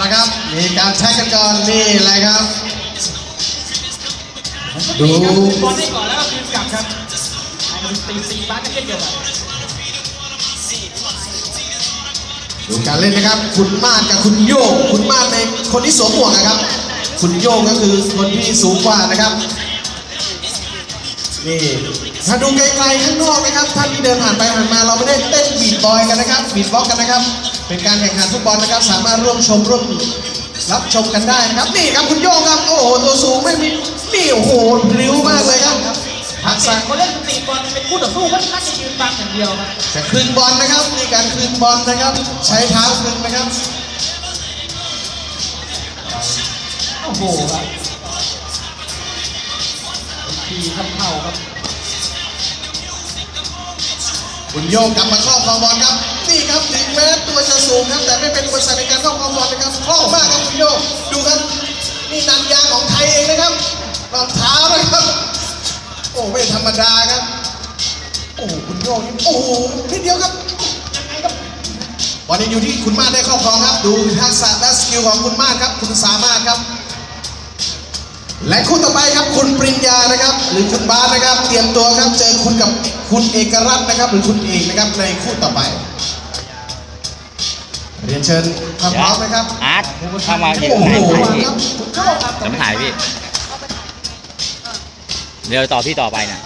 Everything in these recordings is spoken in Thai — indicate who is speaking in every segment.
Speaker 1: ละครับมีการใช้กันก่อนนี่แหละครับดู
Speaker 2: บอลได้ก่อนแล้วก็คืนกลับครับตีบ้านก็เช่นเดียวกัน
Speaker 1: ดูการเล่นนะครับคุณมาดกับคุณโยงคุณมาดในคนที่สวมหมวกนะครับคุณโยงก็คือคนที่สูงกว่านะครับนี่ถ้าดูไกลๆข้างนอกนะครับท่านที่เดินผ่านไปผ่านมาเราไม่ได้เต้นบีทบอยกันนะครับบีทบ็อกกันนะครับเป็นการแข่งขันฟุตบอลนะครับสามารถร่วมรับชมกันได้นะครับนี่ครับคุณโยงครับโอ้โหตัวสูงไม่มีนี่โอ้โหริ้วมากเลยครับทักษะ
Speaker 2: คนเล่นตีบอลเป็นคู่ต่อสู้ไม่น่าจะยืนบังอย่างเดียวครับ
Speaker 1: จะคืนบอลนะครับนี่การคืนบอลนะครับใช้เท้าคืนนะครับ
Speaker 2: โอ้โหครับทีทำเข่าครับ
Speaker 1: คุณโยงกลับมาครอบครองบอลครับนี่ครับถึงแม้ตัวจะสูงครับแต่ไม่เป็นอุปสรรคในการครอบครองบอลนะครับคล่องมากครับคุณโยงดูครับนี่นันยางของไทยเองนะครับรองเท้านะครับโอ้ไม่ธรรมดาครับโอ้คุณโยงนี่โอ้นิดเดียวครับยังไงครับบอลยังอยู่ที่คุณมาศได้ครอบครองครับดูทักษะและสกิลของคุณมาศครับคุณสามารถครับและคู่ต่อไปครับคุณปริญญานะครับหรือคุณบาสนะครับเตรียมตัวครับเจอคุณกับคุณเอกรัตน์นะครับหรือคุณเอกนะครับในคู่ต่อไปเรียนเชิญพร้อมนะครับ
Speaker 3: อาร์ตเข้ามาอีกไหนครับจะไม่ถ่ายพี่เดี๋ยวต่อพี่ต่อไปนะ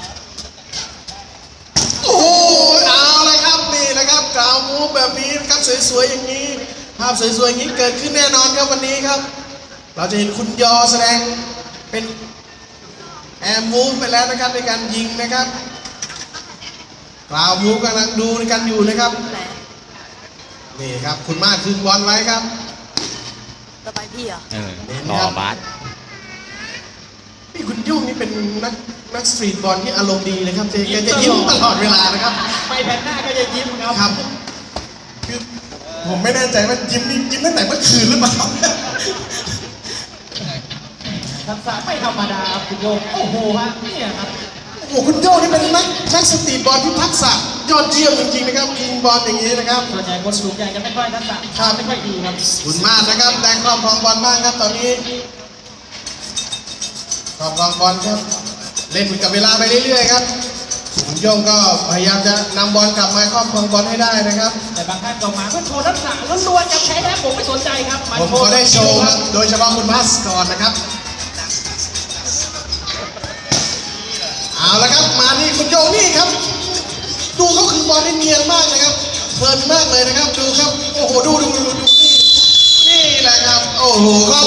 Speaker 1: โอ้เอาเลยครับนี่นะครับกล่าวมูฟแบบนี้นะครับสวยๆอย่างนี้ภาพสวยๆอย่างนี้เกิดขึ้นแน่นอนครับวันนี้ครับเราจะเห็นคุณยอแสดงเป็นแอร์มูฟไปแล้วนะครับในการยิงนะครับกล่าวมูฟกำลังดูในการอยู่นะครับนี่ครับคุณมาคืนบอลไว้ครับ
Speaker 4: ต่อไปพี่เหรอ
Speaker 3: ต่อบาส
Speaker 1: นี่คุณยุ่งนี่เป็นนักสตรีทบอลที่อารมณ์ดีนะครับแกจะยิ้มตลอดเวลานะครับ
Speaker 2: ไปแผ่นหน้าก็จะยิ้ม
Speaker 1: ครับคือผมไม่แน่ใจว่ายิ้มตั้งแต่เมื่อคืนหรือเปล่า
Speaker 2: ทักษะไม่ธรรมดาครับคุณโยงโอ้โหฮะนี่ครับ
Speaker 1: โอ้คุณโยงนี่เป็นนักสตรีทบอลที่ทักษะยอดเยี่ยมจริงๆนะครับยิงบอลอย่างนี้นะครับ
Speaker 2: ส่วนใหญ่คนสูงใหญ่จะไม่ค่อยทักษะไม่ค่อยดีครับ
Speaker 1: คุณมากนะครับแดงครอบครองบอลบ้างครับตอนนี้ครอบครองบอลครับเล่นกับเวลาไปเรื่อยๆครับคุณโยงก็พยายามจะนำบอลกลับมาครอบครองบอลให้ได้นะครับ
Speaker 2: แต่บางท่านก็มาเพื่อโชว์ทักษะล้วนๆจะแพ้แล้วผมไม่สนใจครับ
Speaker 1: ผมขอได้โชว์ครับโดยเฉพาะคุณพัสก่อนนะครับเอาละครับมาที่คุณโยงนี่ครับดูเขาคือบอลที่เนียนมากนะครับเพลินมากเลยนะครับดูครับโอ้โหดูนี่แหละครับโอ้โหครอบ